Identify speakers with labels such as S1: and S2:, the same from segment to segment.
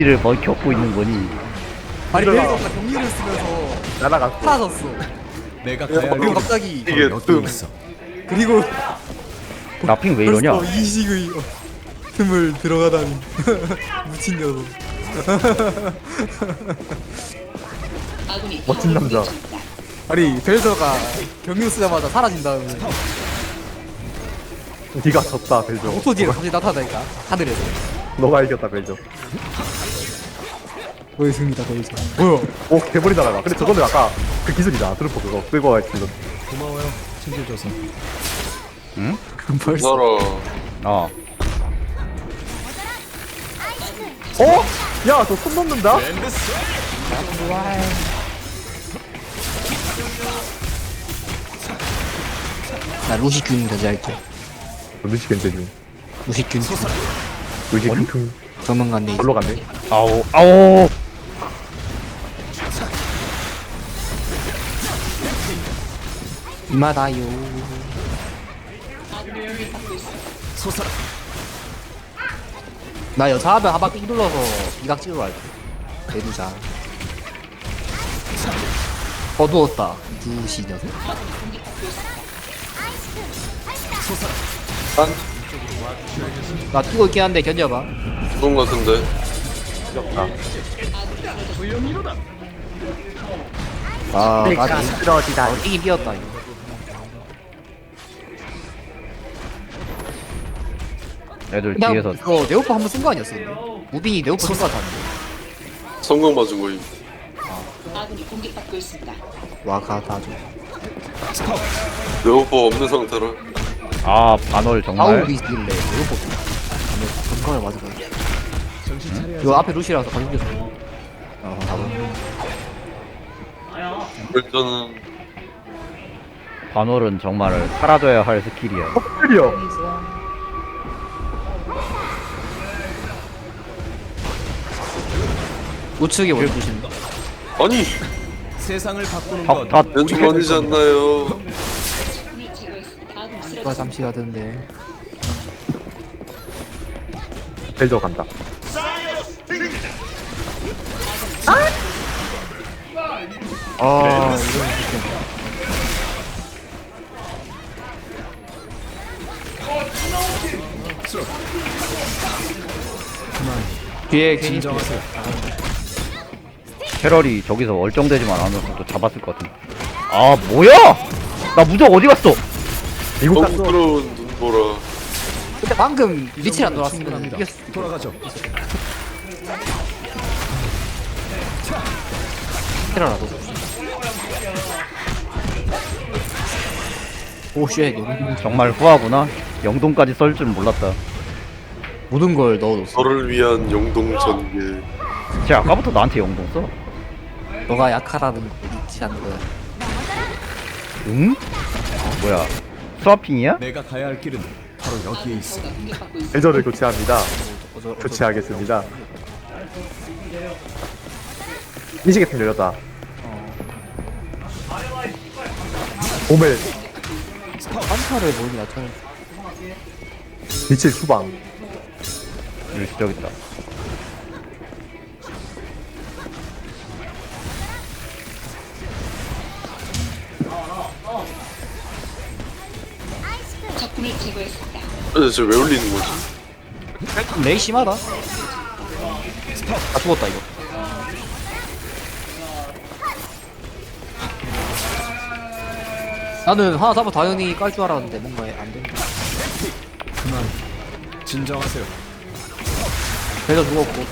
S1: 를 뭐 겪고 있는 거니?
S2: 아니
S3: 일어나.
S2: 벨저가 경리를 쓰면서
S3: 날아갔어.
S2: 사라졌어.
S4: 내가 가야 할
S2: 그리고
S4: 길은
S2: 갑자기
S3: 이게
S4: 여기 있어.
S2: 그리고
S1: 나핑 왜 이러냐?
S2: 벌써 이식의 틈을 들어가다니 미친 녀석.
S3: 멋진 남자.
S2: 아니 벨저가 경유 쓰자마자 사라진 다음에
S3: 네가 졌다 벨저.
S2: 5초 뒤에 갑자기 나타나니까 하늘에서
S3: 너가 이겼다 벨저.
S2: 보였습니다 벨저. 뭐야?
S3: 오 개머리 날아가. 근데 저거는 아까 그 기술이다. 트루퍼 그거 끌고 갈 기술.
S4: 고마워요. 챙겨줘서.
S2: 벌써
S1: 어.
S3: 어? 야, 저 손 넘는다?
S2: 나 루시균 견제할게.
S3: 루시 겐제중.
S2: 루시균
S3: 루시 킁킁.
S2: 조만간데
S3: 절로 갔네.
S1: 아오 아오.
S2: 이마다요.
S4: 솟아라.
S2: 나 여자하면 하박 삥 눌러서 이각 찍으러 갈게. 대두자. 어두웠다. 두시 녀석. 나 뛰고 있긴 한데 견뎌봐.
S5: 좋은 것 같은데.
S2: 아, 나
S3: 쓰러지다.
S2: 이긴 삐었다 이거.
S1: 애들
S2: 그냥
S1: 뒤에서
S2: 이거 네오프 한번 쓴 거 아니었어? 근데? 무빙이 네오프 쓴거 같았는데.
S5: 성공 맞은 거임.
S6: 아군이 공격받고 있습니다.
S2: 와가다죠.
S5: 내 오빠 없는 상태라.
S1: 아 반월 정말.
S2: 아우리스길래 네오프 건강을 맞은 거야.
S4: 정신 차려야지.
S2: 이거 앞에 루시라서 가격이었어. 바로.
S5: 일단은
S1: 반월은 정말 사라져야 할 스킬이야.
S3: 클리어.
S2: 우측에 원주신다
S5: 아니
S4: 세상을 바꾸는
S1: 다
S4: 건
S5: 왼쪽 아니지 않나요?
S6: 우리 제거했습니다. 아군이
S2: 누가
S6: 쓰러졌습니다.
S2: 잠시 가던데.
S3: 벨저 간다.
S2: 아, 뒤에 괜히
S4: 진정하세요.
S1: 캐럴이 저기서 얼쩡대지만 않아서 또 잡았을 것 같은데. 아 뭐야? 나 무적 어디 갔어?
S3: 미국
S5: 너무
S3: 갔어.
S5: 부러운 눈보라.
S2: 근데 방금 리치를 안 돌았으면
S4: 충분합니다.
S2: 이겼어.
S4: 돌아가죠.
S2: 테라라도. 오쉣 여기
S1: 정말 후하구나. 영동까지 썰 줄 몰랐다.
S2: 모든 걸 넣어줬어.
S5: 너를 위한 영동 전개.
S1: 쟤 아까부터 나한테 영동 써.
S2: 너가 약하다는 거 믿지 않는 거야.
S1: 응? 뭐야? 스와핑이야?
S4: 내가 가야 할 길은 바로 여기에 있어.
S6: 공격받고 있습니다.
S3: 벨저를 교체합니다. 교체하겠습니다. 미시계통 열렸다. 오멜
S2: 한타를 모르기 나타내.
S3: 미칠 수방.
S1: 여기 저기 있다.
S6: 적군을 제거했습니다.
S5: 쟤왜 울리는 거지?
S2: 렉이 심하다. 아 죽었다 이거. 나는 하나 잡아 당연히 깔 줄 알았는데 뭔가 안 되네.
S4: 그만. 진정하세요.
S2: 배도 죽었고.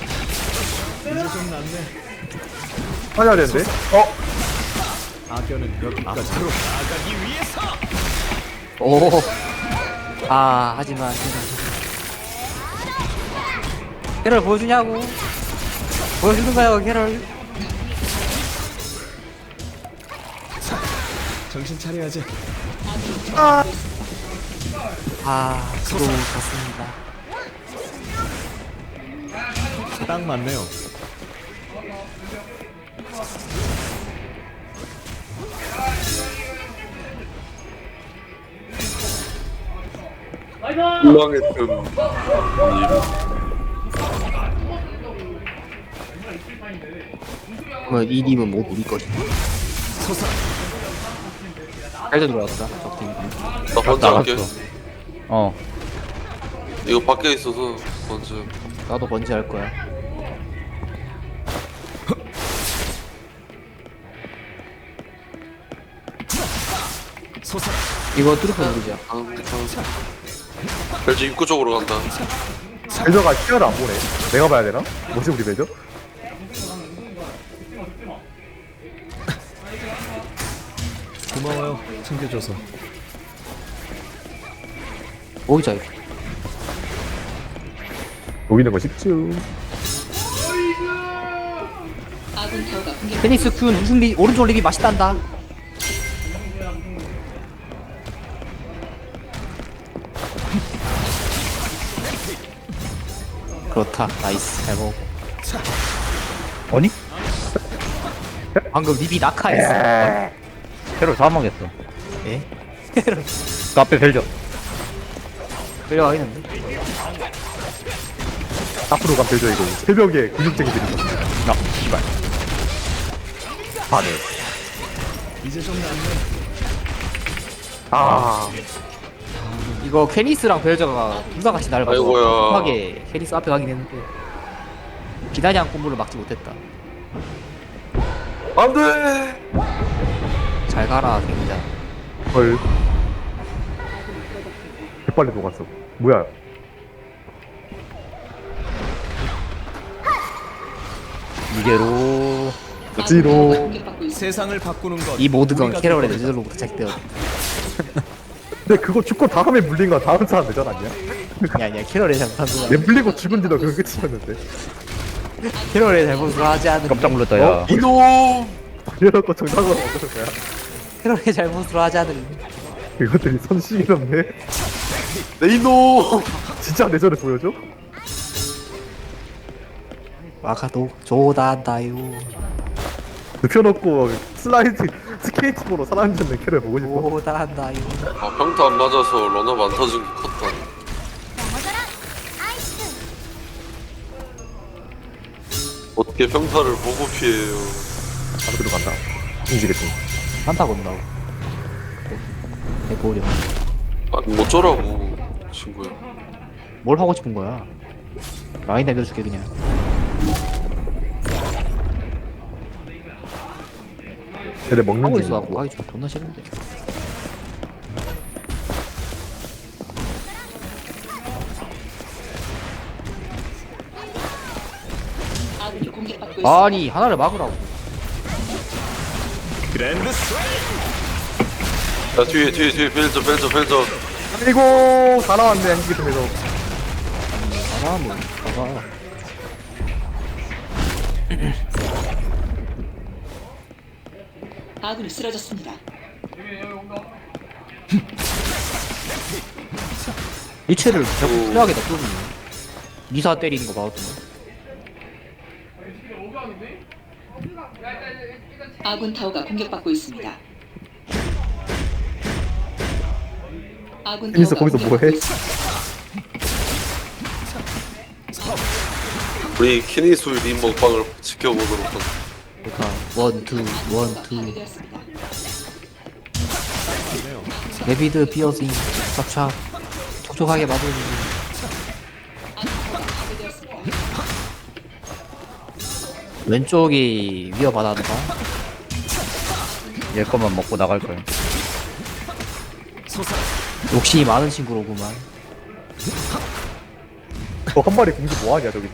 S3: 하냐 되는데? 어?
S4: 악연은 여기까지. 앞으로 나가기 위해서.
S2: 오. 아 하지만 캐럴 보여주냐고. 보여주는 거야 캐럴.
S4: 정신 차려야지.
S2: 아 수고 갔습니다.
S4: 딱 맞네요.
S5: 불망했던 일.
S2: 그러면 이 님은 뭐 우리 거지? 잘도 들어왔다. 적팀.
S5: 나 번째 할게.
S1: 어.
S5: 이거 밖에 있어서 번째.
S2: 나도 번지 할 거야. 이거 뚜루프 누르자.
S5: 벨저 입구 쪽으로 간다.
S3: 벨저가 시야를 안 보네. 내가 봐야 되나? 뭐지 우리 벨저?
S4: 고마워요. 챙겨줘서.
S2: 모이자 이거.
S3: 보이는 거 쉽죠.
S6: 아군 타워가 공격.
S2: 테니스 큐는 우승 리 오른쪽 립이 맛있단다. 그렇다. 나이스. 잘 먹어.
S1: 아니?
S2: 방금 립이 낙하했어.
S1: 캐롤 사망했어.
S2: 예?
S1: 카페 벨저.
S2: 끌려가겠는데?
S3: 앞으로 간 벨저 이거 새벽에 근육쟁이들이 있어.
S1: 나, 씨발.
S3: 아, 네.
S4: 이제 좀 낫네.
S3: 아,
S2: 이거 케니스랑 벨저가 둘다 같이 날 봐서
S5: 아이고야.
S2: 급하게 케니스 앞에 가긴 했는데 기다량 콤보를 막지 못했다.
S5: 안 돼!
S2: 잘 가라 갱자.
S3: 헐. 개빨리 녹았어. 뭐야?
S1: 이게로.
S3: 지로.
S6: 공격받고 있습니다.
S4: 세상을 바꾸는 것.
S2: 이 모드가
S4: 우리가
S2: 캐럴의
S4: 될 거다.
S2: 뇌절로부터 시작되었다.
S3: 근데 그거 죽고 다음에 물린 거 다음 사람 내전 아니야?
S2: 아니야 캐럴의 잘못한
S3: 얘
S2: 거.
S3: 물리고 죽은 뒤도 그거 끝이었는데.
S2: 캐럴의 잘못을 하지 않은
S1: 깜짝 놀랐다, 야.
S5: 이놈!
S3: 이래놓고 정상으로 얻는 거야.
S2: 캐럴의 잘못을 하지 않은
S3: 이것들이 손시기롭네.
S5: 내 이놈!
S3: 진짜 내전을 보여줘?
S2: 마카도 조단다요.
S3: 눕혀놓고 슬라이드 스케이트보로 사람 잡는 캐를 보고 싶어.
S2: 조단다요.
S5: 아, 평타 안 맞아서 런업 안 터진 게 컸다. 어떻게 평타를 보고 피해요.
S3: 바로 들어간다. 움직였지.
S2: 한타 건다고. 대고령.
S5: 아니, 뭐 어쩌라고, 친구야.
S2: 뭘 하고 싶은 거야? 라인 내려줄게 그냥.
S3: 걔네 먹는
S2: 하고
S3: 중이고.
S2: 있어 갖고 가기 좀 존나 싫은데.
S6: 아군이 공격받고 있습니다.
S2: 아니 하나를 막으라고.
S4: 그랜드 스트라이크.
S5: 야, 뒤에, 벨저.
S3: 아이고 다 나왔네 한기 통해서.
S2: 가라 뭐 가라.
S6: 아군이 쓰러졌습니다.
S2: 일체를 자꾸 필요하게 놔두는 미사 때리는 거 봐도.
S6: 아군 타워가 공격받고 있습니다. 아군
S3: 테니스
S6: 타워가
S3: 거기서
S6: 공격받고
S3: 뭐해?
S6: 있습니다.
S5: 우리 키니수 림 먹방을 지켜보도록 하자.
S2: 그러니까 원투
S6: 파괴되었습니다.
S2: 데비드 피어싱 착착 촉촉하게 맞으는.
S6: 파괴되었습니다.
S2: 왼쪽이 위협받았다.
S1: 얘 것만 먹고 나갈 거야.
S2: 욕심이 많은 친구로구만.
S3: 한 마리 공주 뭐하냐 저기서?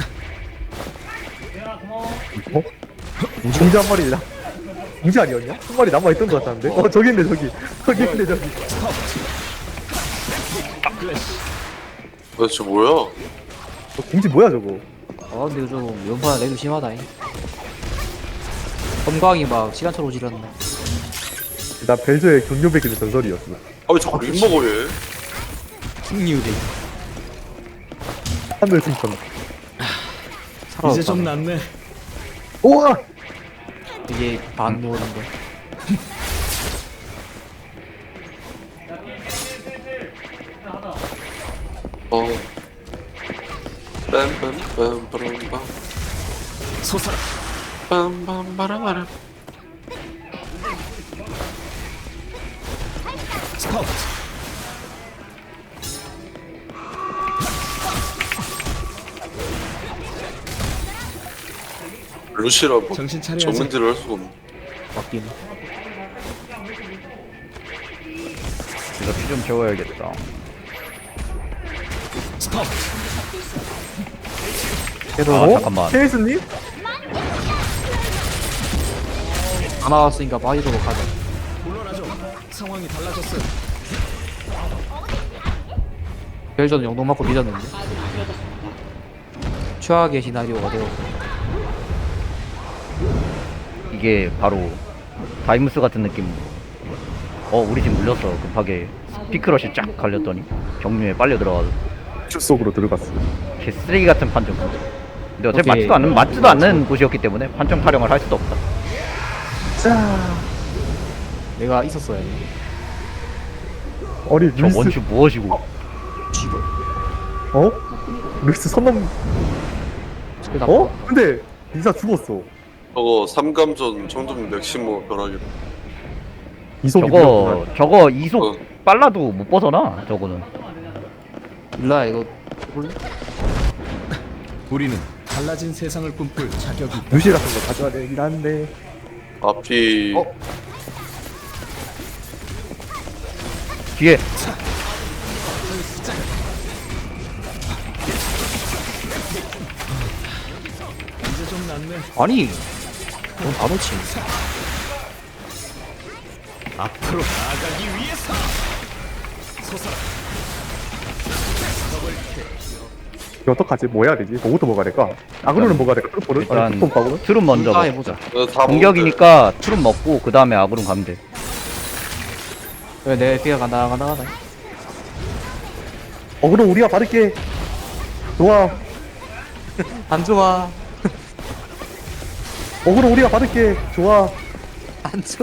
S3: 어? 공주 한 마리냐? 공주 아니었냐? 한 마리 남아있던 것 같았는데? 저기 있네 저기. 저기 있네 저기.
S5: 도대체 뭐야?
S3: 공주 뭐야 저거?
S2: 아 근데 좀 연판 내도 심하다잉. 검광이 막 시간차로 지렸네.
S3: 나 벨저의 경료백기는 전설이었어.
S5: 아왜 자꾸 림 먹어 얘?
S2: 킹뉴데
S3: 하늘 승천.
S4: 이제 좀 낫네.
S3: 우와!
S2: 이게 반모인데.
S5: 어. 빰빰빰빰빰.
S4: 솟아라.
S5: 빰빰바라바라.
S4: 스파우트.
S5: 루시라고
S4: 정신 차려야지.
S5: 정면질을 할 수가 없네.
S2: 맞긴.
S1: 이거 피 좀 채워야겠다.
S4: 스파우트.
S1: 아, 잠깐만.
S3: 케이스님?
S2: 다 나왔으니까 빠지도록 하자.
S4: 물러나죠. 상황이 달라졌어요.
S2: 벨전 영동 맞고 믿었는데. 최악의 시나리오가 되어.
S1: 이게 바로 다이무스 같은 느낌. 우리 집 물렸어. 급하게 피크러시 쫙 갈렸더니 경류에 빨려 들어가서
S3: 주 속으로 들어갔어.
S1: 개쓰레기 같은 판정. 근데 어차피
S2: 오케이.
S1: 맞지도 않는 곳이었기 때문에 판정 타령을 할 수도 없다.
S3: 자,
S2: 내가 있었어야 돼.
S3: 어리
S1: 저
S3: 루이스.
S1: 원슈 무엇이고?
S2: 쥐벌.
S3: 어? 루이스 선넘. 어? 근데 리사 죽었어.
S5: 저거 삼감전 청점 맥시모 벼락이다.
S3: 이속이
S1: 저거 이속
S5: 어.
S1: 빨라도 못 벗어나. 저거는.
S2: 일라 이거 볼래?
S4: 우리는 달라진 세상을 꿈꿀 자격이 있다.
S3: 루시 같은 거 가져야 되긴 한데.
S5: 앞이
S1: 뒤에
S4: 이제 좀 낫네.
S2: 아니. 넌 다 놓치.
S4: 앞으로 나아가기 위해서. 솟아라.
S3: 이거 어떡하지? 뭐 해야 되지? 뭐부터 먹어야 될까? 아그로는 먹어야 될까? 트루포를?
S1: 일단
S3: 트루포 가고?
S1: 트름 먼저
S2: 다
S1: 먹자.
S2: 해보자.
S5: 다
S1: 공격이니까 트름 먹고 그 다음에 아그론 가면 돼.
S2: 왜 내 피가 간다.
S3: 어그로 우리가 바를게. 좋아.
S2: 안 좋아.
S3: 어그로 우리가 받을게. 좋아.
S2: 안 좋아.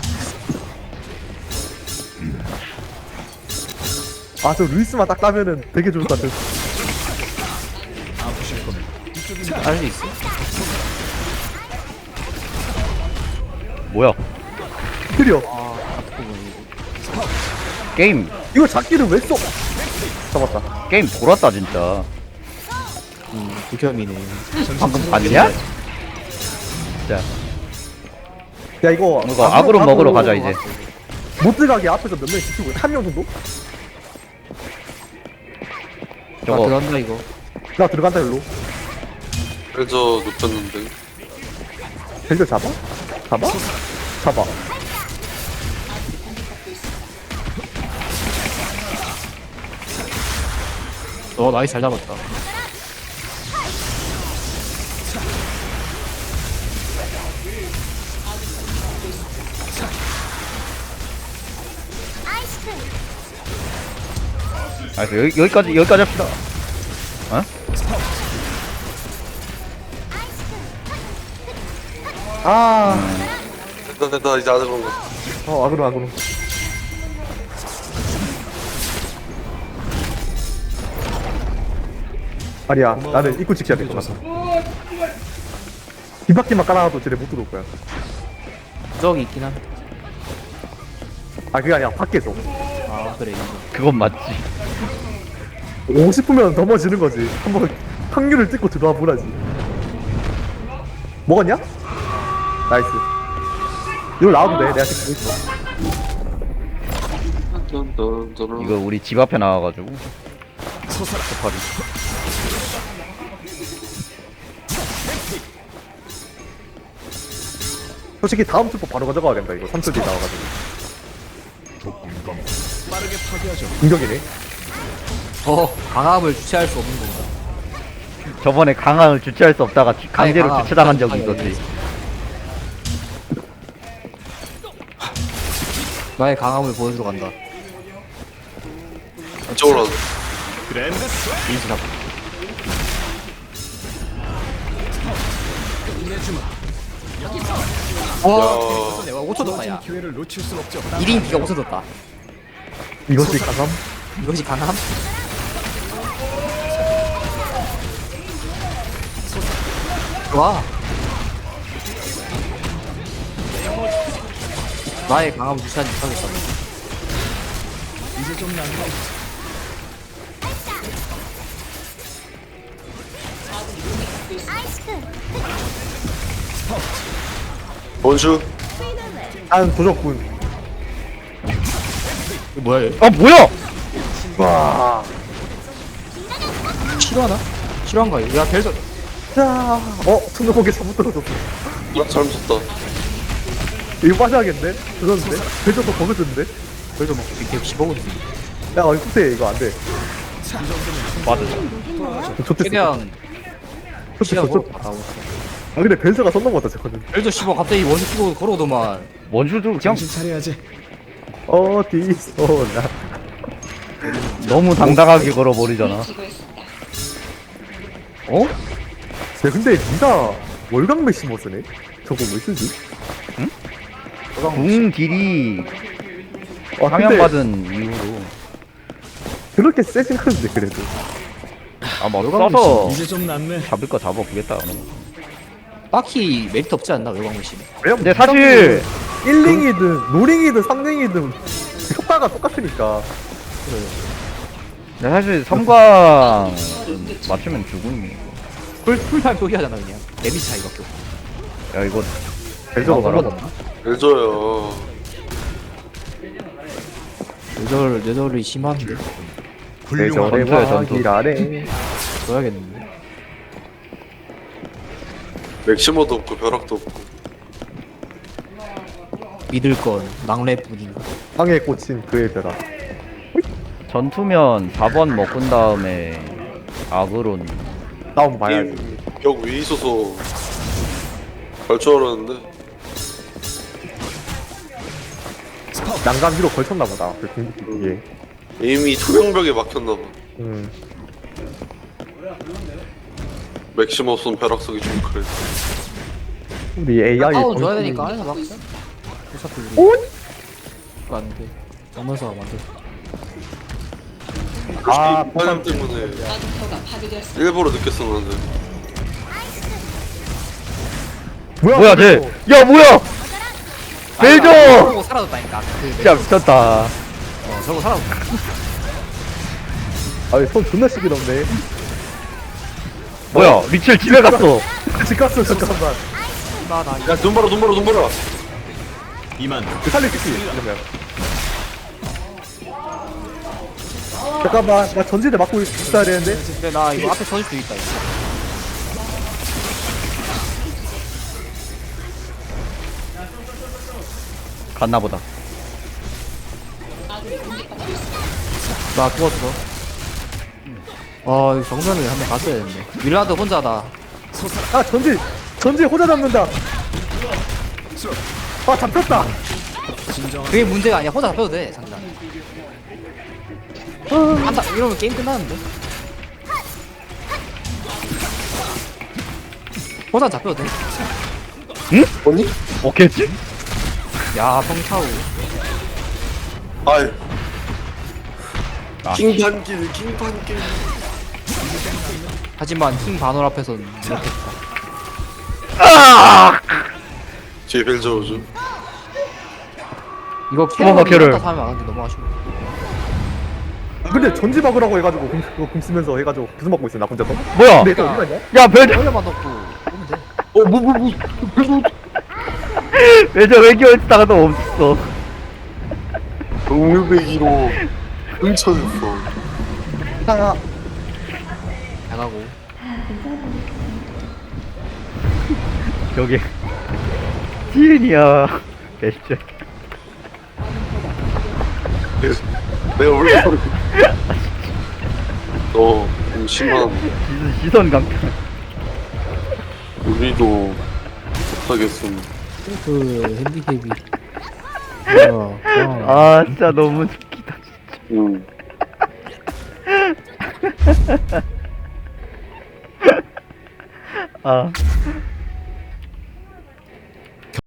S3: 아, 저 루이스만 딱 따면은 되게 좋을 것 같아.
S4: 아프실 겁니다.
S2: 알 수 있어?
S1: 뭐야?
S3: 드려.
S1: 게임
S3: 이거 잡기를 왜 써? 잡았다.
S1: 게임 돌았다 진짜.
S2: 극혐이네.
S1: 방금 봤냐? 자,
S3: 야, 이거.
S1: 아그론 먹으러 가자 이제.
S3: 못 들어가게 앞에서 몇 명 지키고, 한 명 정도?
S2: 나
S1: 저거
S2: 들어간다 이거.
S3: 나 들어간다, 일로.
S5: 벨저 눕혔는데
S3: 벨저 잡아? 잡아? 잡아.
S2: 나이스 잘 잡았다.
S1: 여기까지 합시다. 어?
S5: 됐다 이제 안 해본 거.
S3: 아그론. 아니야, 나는 입구 지켜야 될 것 같아. 뒷바퀴만 깔아놔도 쟤네 못 들어올 거야.
S2: 저기 있긴 한데.
S3: 아, 그게 아니야, 밖에서.
S2: 아 그래 이거.
S1: 그건 맞지.
S3: 오고 싶으면 넘어지는 거지. 한번 확률을 찍고 들어와 보라지. 먹었냐? 나이스. 이걸 나와도 돼. 내가 지금 보고 있어.
S1: 이거 우리 집 앞에 나와가지고.
S4: 솟아라.
S1: 파리.
S3: 솔직히 다음 투포 바로 가져가야 된다. 이거 3초 뒤에 나와가지고.
S4: 빠르게 파괴하죠.
S3: 공격이네.
S2: 강압을 주체할 수 없는 건가?
S1: 저번에 강함을 주체할 수 없다가 강제로
S2: 강함.
S1: 주체당한 적이
S2: 아니,
S1: 있었지.
S2: 나의 강함을 보여주러 간다.
S5: 이쪽으로 와서
S4: 그랜드 스웨이.
S2: 인수 잡고.
S4: 내주마.
S2: 와, 내가 5초 더
S4: 주어진
S2: 야.
S4: 기회를 놓칠 순 없죠.
S2: 1인 비가 5초 뒀다.
S3: 이것이 강함?
S2: 이것이 강함? 좋아. 나의 강함 무시하지 못하겠다.
S4: 이제 좀 낫네.
S5: 원슈.
S3: 난 도적군.
S2: 이거 뭐야 얘?
S1: 아 뭐야?
S3: 와.
S2: 싫어하나? 싫어한가 얘? 야 벨저.
S3: 자. 손목에 잘못 떨어졌어.
S5: 잘못 썼다.
S3: 이거 빠져야겠네? 그런데? 배저도 거기서인데?
S2: 벨저 막 이렇게 씹어오지.
S3: 야, 이거 후퇴 이거 안 돼.
S1: 맞아.
S3: 좋댔어.
S2: 최대한 시간
S3: 좋댔어.
S2: 걸어 받아오고.
S3: 아, 근데 벤서가 썬 넘었다, 저거는.
S2: 벨저 씹어 갑자기 원수 끼고 걸어오더만.
S1: 원슈도 그냥
S4: 정신 차려야지.
S3: 어디서 나.
S1: 너무 당당하게 걸어버리잖아.
S6: 제거했습니다.
S3: 어? 쟤 근데 니가 월광 메시모 쓰네? 저거 왜 쓰지?
S1: 궁 딜이
S3: 아, 근데
S1: 상향받은 이후로
S3: 그렇게 세진 않은데, 그래도.
S1: 아뭐 써서
S4: 이제 좀 낫네.
S1: 잡을 거 잡아보겠다.
S2: 딱히 메리트 없지 않나 외곽무신.
S3: 왜냐면
S1: 근데 사실
S3: 1링이든 노링이든 3링이든 효과가 똑같으니까.
S1: 근데 사실 섬광 맞추면 죽음이.
S2: 풀타임 표기하잖아 그냥. 데미지 차이밖에 없어.
S1: 야 이거
S3: 벤서가
S1: 봐라.
S3: 말하잖아.
S5: 벨저요.
S2: 뇌절이 심한데.
S3: 내 절에
S1: 전투야, 전투.
S3: 와기라래.
S2: 줘야겠는데.
S5: 맥시머도 없고 벼락도 없고.
S2: 믿을 건 낭래뿐인.
S3: 땅에 꽂힌 그의 벼락.
S1: 전투면 4번 먹은 다음에 아그론.
S3: 다운 봐야지.
S5: 벽 위에 있어서 갈 줄 알았는데.
S3: 난간 위로 걸쳤나보다. 그 궁극기에.
S5: 이미 투명벽에 막혔나봐. 맥시머 쏜 벼락 쓰기 좀 그래.
S3: 우리 AI
S2: 다운 줘야
S3: 정신이-
S2: 되니까 안에서 막.
S6: 받고 있습니다.
S2: 어차피 우리.
S3: 오?
S2: 그거 안 돼. 정면서 만들.
S3: 아,
S5: 파년 때문에
S6: 아군 타워가 파괴되었습니다.
S5: 일부러 늦게 썼는데.
S1: 뭐야 쟤? 야 뭐야? 벨저!
S2: 저거 사라졌다니까. 그
S1: 진짜 미쳤다.
S2: 저거 사라졌다.
S3: 아니, 손 존나 시기 넘네.
S1: 뭐야? 미첼 집에 갔어.
S3: 집 갔어, 잠깐만.
S2: 나
S5: 야, 눈 봐라, 눈 봐라, 눈 봐라.
S4: 이만.
S3: 그 살리겠지, 이러면. 잠깐만, 나 전진에 맞고 있어야 되는데?
S2: 근데 나 이거 앞에 서질 수 있다. 이거.
S1: 갔나보다.
S6: 아군이 공격받고 있습니다.
S2: 나 죽었어. 이거 정면을 한번 갔어야 했는데. 윌라드 혼자다.
S3: 아, 전진 호자 잡는다. 아, 잡혔다.
S2: 그게 문제가 아니야. 혼자 잡혀도 돼, 상단. 한다 이러면 게임 끝나는데. 혼자 잡혀도 돼.
S3: 뭐니?
S1: 오겠지?
S2: 야, 성차우.
S5: 아이.
S1: 아.
S5: 킹판길, 킹판길.
S2: 하지만 팀 반월 앞에서는 이렇게
S5: 뒤에 벨저 오죠.
S2: 이거
S1: 도망가, 걔를.
S2: 캐릭터 사면 안 하는데 너무 아쉬워.
S3: 근데 전지 막으라고 해가지고 공 쓰면서 해가지고 계속 막고 있어, 나 혼자서.
S1: 뭐야?
S3: 근데 이거 어디 갔냐?
S1: 야 벨저!
S2: 원래만 넣고 오면 돼.
S1: 벨저 외교했다가도 없어.
S5: 동료배기로 훔쳐졌어.
S3: 아,
S2: 나가고.
S1: 저기 지은이야. 벨저.
S5: 내가 원래 너좀 심한.
S1: 시선 강탈.
S5: 우리도 못하겠음.
S2: 그 핸디캡이.
S1: 아 진짜 너무 웃기다.
S5: 응.
S1: 아